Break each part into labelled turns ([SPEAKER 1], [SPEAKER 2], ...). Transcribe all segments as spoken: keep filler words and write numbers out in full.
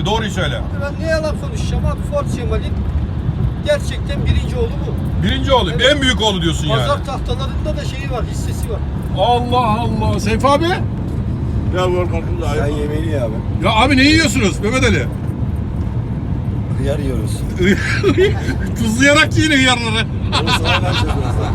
[SPEAKER 1] abi doğruyu söyle.
[SPEAKER 2] Ben ne yalan konuşacağım abi, Ford Cemal'in gerçekten birinci oğlu bu.
[SPEAKER 1] Birinci oğlu,
[SPEAKER 2] Evet.
[SPEAKER 1] en büyük oğlu diyorsun yani.
[SPEAKER 2] Pazar tahtalarında da şeyi var, hissesi var.
[SPEAKER 1] Allah Allah. Seyfi abi?
[SPEAKER 3] Ya korkaklı da
[SPEAKER 4] Sen
[SPEAKER 3] ayıp.
[SPEAKER 4] yemeğini ye abi.
[SPEAKER 1] Ya abi ne yiyorsunuz Mehmet Ali?
[SPEAKER 4] Hıyar yiyoruz.
[SPEAKER 1] Tuzlayarak yiyin hıyarları.
[SPEAKER 4] Onu sana vereceğiz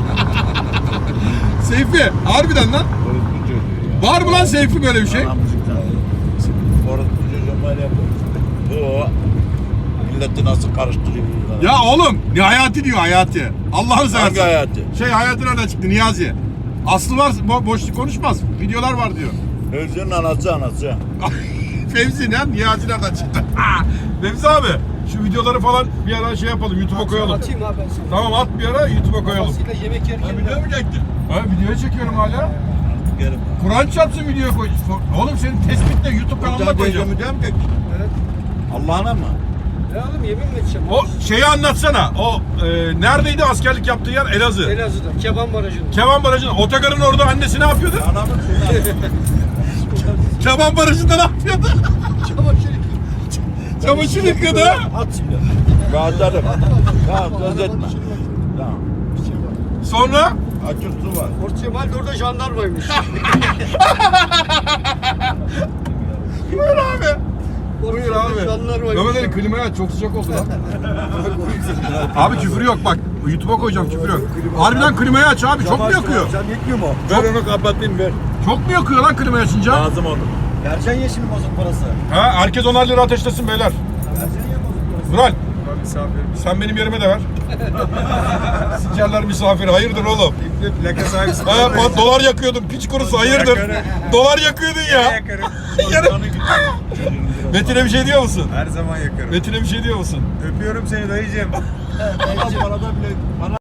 [SPEAKER 1] Seyfi, harbiden lan.
[SPEAKER 3] Orospu çocuğu ya.
[SPEAKER 1] Var mı lan Seyfi böyle bir şey?
[SPEAKER 3] Anamızlıktan. Orospu çocuğu var ya bu. O milleti nasıl karıştırıyor bunlar?
[SPEAKER 1] Ya oğlum, ne hayati diyor hayati. Allah'ını
[SPEAKER 3] Hangi
[SPEAKER 1] seversen.
[SPEAKER 3] hayatı?
[SPEAKER 1] Şey hayati nereden çıktı Niyazi? Aslı var, bo boşluk konuşmaz. Videolar var diyor.
[SPEAKER 3] Özünün anası anası.
[SPEAKER 1] Fevzi ne? Niyazi nereden çıktı? Fevzi abi, şu videoları falan bir ara şey yapalım, YouTube'a koyalım.
[SPEAKER 2] Atayım abi ben sana.
[SPEAKER 1] Tamam at bir ara YouTube'a koyalım.
[SPEAKER 2] Babasıyla yemek yerken.
[SPEAKER 3] Video mu çektin?
[SPEAKER 1] Ha videoya çekiyorum hala.
[SPEAKER 3] Gelin.
[SPEAKER 1] Kur'an çarpsın videoya koy. Oğlum senin tespitle YouTube kanalına koyacağım.
[SPEAKER 3] Video mu çektin?
[SPEAKER 2] Evet.
[SPEAKER 3] Allah'ına mı?
[SPEAKER 2] Ne oğlum, yemin mi edeceğim?
[SPEAKER 1] O şeyi anlatsana. O e, neredeydi askerlik yaptığı yer? Elazığ.
[SPEAKER 2] Elazığ'da, Keban Barajı'nda.
[SPEAKER 1] Keban Barajı'nın, otogarın orada annesi ne yapıyordu?
[SPEAKER 3] Anamı
[SPEAKER 1] Keban Barajı'nda ne yapıyordu?
[SPEAKER 2] Çamaşır
[SPEAKER 1] Çamaşır yıkadı.
[SPEAKER 3] At şimdi. Rahatlarım. Tamam söz etme. Tamam.
[SPEAKER 1] Sonra?
[SPEAKER 3] Açık su var.
[SPEAKER 2] Ford Cemal de orada jandarmaymış.
[SPEAKER 1] Buyur abi. Buyur abi.
[SPEAKER 2] Jandarmaymış.
[SPEAKER 1] Mehmet Ali klimayı aç, çok sıcak oldu lan. Abi küfür yok bak. YouTube'a koyacağım küfür yok. Harbiden klimayı aç abi, çok mu yakıyor?
[SPEAKER 4] Sen yetmiyor mu?
[SPEAKER 3] Ver onu kapatayım ver.
[SPEAKER 1] Çok mu yakıyor lan klimayı açınca?
[SPEAKER 3] Lazım onu.
[SPEAKER 4] Vereceksin ya şimdi bozuk parası.
[SPEAKER 1] Ha, herkes onar lira ateşlesin beyler.
[SPEAKER 4] Vereceksin ya bozuk parası.
[SPEAKER 1] Vural. Sen benim yerime de ver. Sikerler misafiri. Hayırdır oğlum?
[SPEAKER 4] Plaka sahibisi.
[SPEAKER 1] Ha, bak, dolar yakıyordun piç kurusu. Hayırdır? Dolar yakıyordun ya. Yarın- Metin'e bir şey diyor musun?
[SPEAKER 5] Her zaman yakarım.
[SPEAKER 1] Metin'e bir şey diyor musun?
[SPEAKER 5] Öpüyorum seni dayıcığım.
[SPEAKER 3] Bana da bile bana